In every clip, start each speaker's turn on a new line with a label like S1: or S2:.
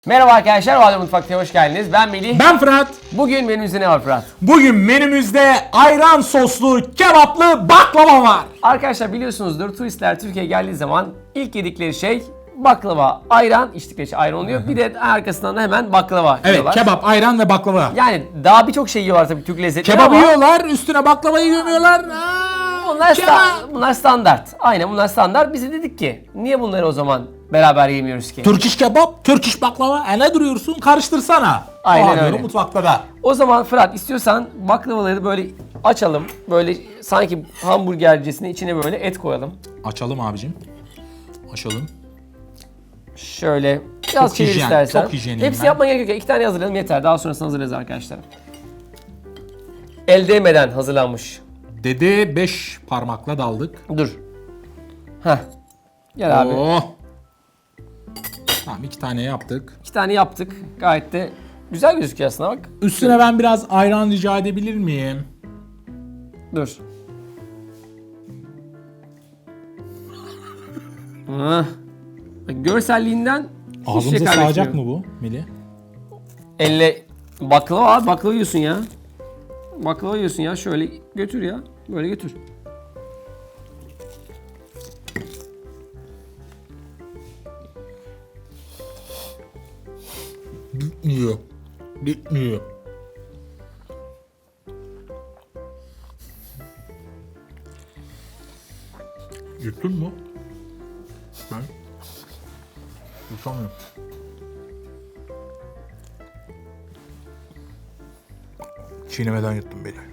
S1: Merhaba arkadaşlar, Valide Mutfak'ta hoş geldiniz. Ben Melih.
S2: Ben Fırat.
S1: Bugün menümüzde ne var Fırat?
S2: Bugün menümüzde ayran soslu kebaplı baklava var.
S1: Arkadaşlar biliyorsunuzdur, turistler Türkiye'ye geldiği zaman ilk yedikleri şey baklava, ayran, içtikleri şey ayran oluyor. Bir de arkasından da hemen baklava
S2: Evet,
S1: yiyorlar.
S2: kebap, ayran ve baklava.
S1: Yani daha birçok şey yiyorlar tabii Türk lezzetleri
S2: Kebabı
S1: ama
S2: yiyorlar, üstüne baklavayı gömüyorlar.
S1: bunlar standart. Aynen bunlar standart. Biz de dedik ki niye bunları o zaman beraber yemiyoruz ki?
S2: Türk iş kebap, Türk iş baklava. Ne duruyorsun? Karıştırsana.
S1: Aynen
S2: Diyorum
S1: öyle.
S2: mutfakta da.
S1: O zaman Fırat istiyorsan baklavaları böyle açalım. Böyle sanki hamburgercesine içine böyle et koyalım.
S2: Açalım abicim. Açalım.
S1: Şöyle biraz
S2: Çok
S1: çevir
S2: hijyen,
S1: istersen.
S2: çok hijyeniyim
S1: Hepsi
S2: ben.
S1: yapmaya gerek yok. 2 tane hazırlayalım yeter. Daha sonrasında hazırlarız arkadaşlar. El değmeden hazırlanmış.
S2: Dede 5 parmakla daldık.
S1: Dur. Heh. Gel abi.
S2: Oh. Tamam 2 tane yaptık.
S1: 2 tane yaptık. Gayet de güzel gözüküyor aslında bak.
S2: Üstüne ben biraz ayran rica edebilir miyim?
S1: Dur. Bak, görselliğinden hiçbir şey
S2: Ağzımıza sığacak
S1: kaybetmiyor.
S2: mı bu Melih?
S1: Elle baklava abi, baklava yiyorsun ya. Baklava yiyorsun ya, şöyle götür ya. Böyle götür.
S2: Bitmiyor. Bitmiyor. Yuttun mu? Ben yutamıyorum. Çiğnemeden yuttum beni.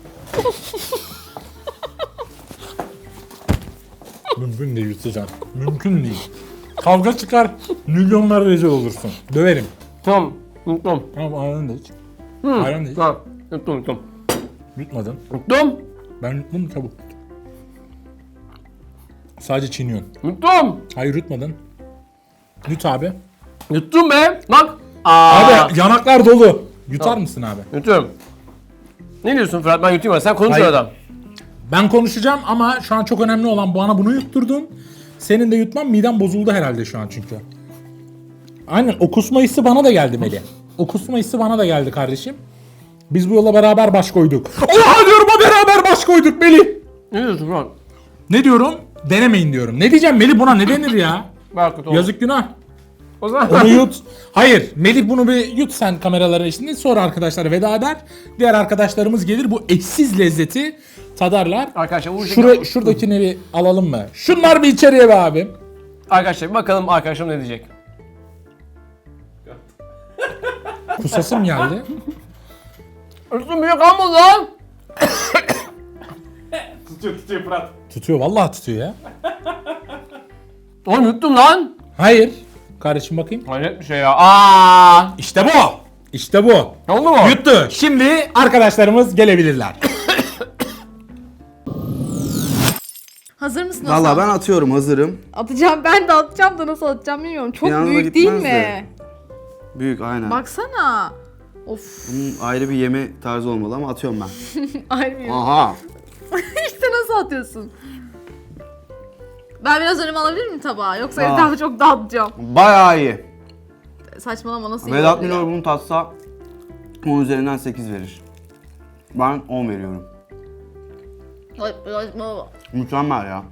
S2: Mümkün değil yutacaksın. Mümkün değil. Kavga çıkar, milyonlara rezil olursun. Döverim.
S1: Tamam. Yuttum.
S2: Tamam ayran da iç. Ayran da iç.
S1: Tamam. Yuttum.
S2: Yutmadın.
S1: Yuttum.
S2: Ben yuttum çabuk. Sadece çiğniyorsun.
S1: Yuttum.
S2: Hayır yutmadın. Yut abi.
S1: Yuttum be. Bak.
S2: Abi yanaklar dolu. Yutar mısın abi?
S1: Yutuyorum. Ne diyorsun Fırat? Ben yutayım. Sen konuş
S2: Hayır.
S1: adam.
S2: Ben konuşacağım ama şu an çok önemli olan bana bunu yutturdun. Senin de yutman midem bozuldu herhalde şu an çünkü. Aynen o kusma hissi bana da geldi Melih. O kusma hissi bana da geldi kardeşim. Biz bu yola beraber baş koyduk. Oha diyorum o beraber baş koyduk Melih.
S1: Ne diyorsun Fırat?
S2: Ne diyorum? Denemeyin diyorum. Ne diyeceğim Melih buna ne denir ya?
S1: Bak kötü oldu.
S2: Yazık günah.
S1: O zaman.
S2: Onu yut. Hayır. Melih bunu bir yut sen kameraların içinde. Sonra arkadaşlara veda eder. Diğer arkadaşlarımız gelir. Bu eşsiz lezzeti tadarlar.
S1: Arkadaşlar bu
S2: Şuradakini bir alalım mı? Şunlar bir içeriye be abim.
S1: Arkadaşlar bir bakalım arkadaşım ne diyecek.
S2: Kusasım geldi.
S1: Üstüm büyük kalmadı lan.
S2: Tutuyor Fırat. Tutuyor. Vallahi tutuyor ya.
S1: Oğlum yuttum lan.
S2: Hayır. Kardeşim bakayım.
S1: Hayret bir şey ya. Aa.
S2: İşte bu. İşte bu.
S1: Ne oldu mu?
S2: Yuttu. Şimdi arkadaşlarımız gelebilirler.
S3: Hazır mısın Hasan?
S4: Valla ben atıyorum, hazırım.
S3: Atacağım, ben de atacağım da nasıl atacağım bilmiyorum. Çok
S4: Bir anda
S3: büyük değil
S4: gitmez
S3: mi?
S4: de. Büyük aynen.
S3: Baksana. Of.
S4: Bunun ayrı bir yeme tarzı olmalı ama atıyorum ben.
S3: Ayrı.
S4: Aha.
S3: İşte nasıl atıyorsun? Ben biraz önüme alabilir miyim tabağı? Yoksa
S4: Aa.
S3: etrafı çok dağıtacağım.
S4: Bayağı iyi.
S3: Saçmalama, nasıl
S4: Vedat
S3: iyi
S4: Milor
S3: oluyor?
S4: bunu tatsa 10 üzerinden 8 verir. Ben 10 veriyorum.
S3: Ay, saçmalama.
S4: Mükemmel ya.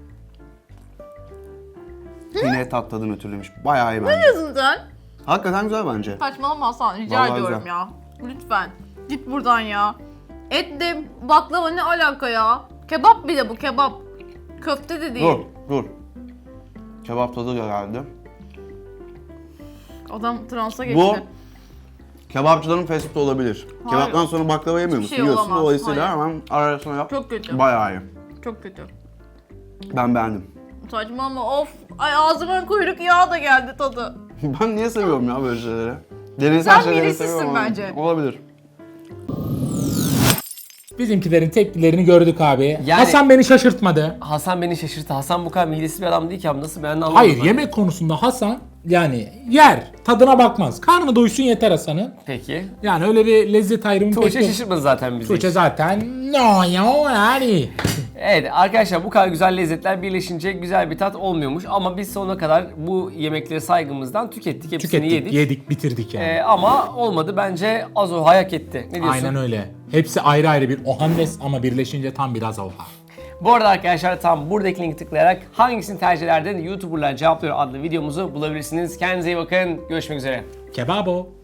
S4: Yine tat tadını ötürlemiş. Bayağı iyi bence.
S3: Ne diyorsun sen?
S4: Hakikaten güzel bence.
S3: Saçmalama Hasan, rica
S4: Vallahi
S3: ediyorum
S4: güzel.
S3: ya. Lütfen. Git buradan ya. Et de baklava ne alaka ya? Kebap bir de bu, kebap. Köfte de değil.
S4: Dur. Kebap tadı da geldi.
S3: Adam transa geçti.
S4: Bu kebapçıların fast food olabilir.
S3: Hayır.
S4: Kebaptan sonra baklava yemiyor musun?
S3: şey
S4: Yiyorsun.
S3: olamaz,
S4: Dolayısıyla
S3: hayır.
S4: hemen arasına yap.
S3: Çok kötü.
S4: Bayağı iyi.
S3: Çok kötü.
S4: Ben beğendim.
S3: Saçmalama, of. Ay, ağzıma kuyruk yağı da geldi tadı.
S4: Ben niye seviyorum ya böyle şeyleri? Deneysel
S3: Sen
S4: şeyleri
S3: birisizsin
S4: seviyorum ama
S3: bence.
S4: Olabilir.
S2: Bizimkilerin tepkilerini gördük abi.
S1: Yani-
S2: Hasan beni şaşırtmadı.
S1: Hasan beni şaşırttı. Hasan bu kadar midesiz bir adam değil ki abi. Nasıl ben anlamadım.
S2: Hayır
S1: ben.
S2: yemek konusunda Hasan yani yer tadına bakmaz. Karnı doysun yeter Hasan'ın.
S1: Peki.
S2: Yani öyle bir lezzet ayrımı
S1: Tuğçe
S2: pek yok.
S1: şaşırtmadı zaten bizi.
S2: Tuğçe zaten no ya yani.
S1: Evet arkadaşlar bu kadar güzel lezzetler birleşince güzel bir tat olmuyormuş. Ama biz sonuna kadar bu yemekleri saygımızdan tükettik. Hepsini
S2: Yedik, bitirdik yani.
S1: Ama olmadı bence Azoha hak etti. Ne diyorsun?
S2: Aynen öyle. Hepsi ayrı ayrı bir Ohannes ama birleşince tam bir Azoha.
S1: Bu arada arkadaşlar tam buradaki linki tıklayarak hangisini tercih ederdin YouTuber'lar cevaplıyor adlı videomuzu bulabilirsiniz. Kendinize iyi bakın. Görüşmek üzere.
S2: Kebabo.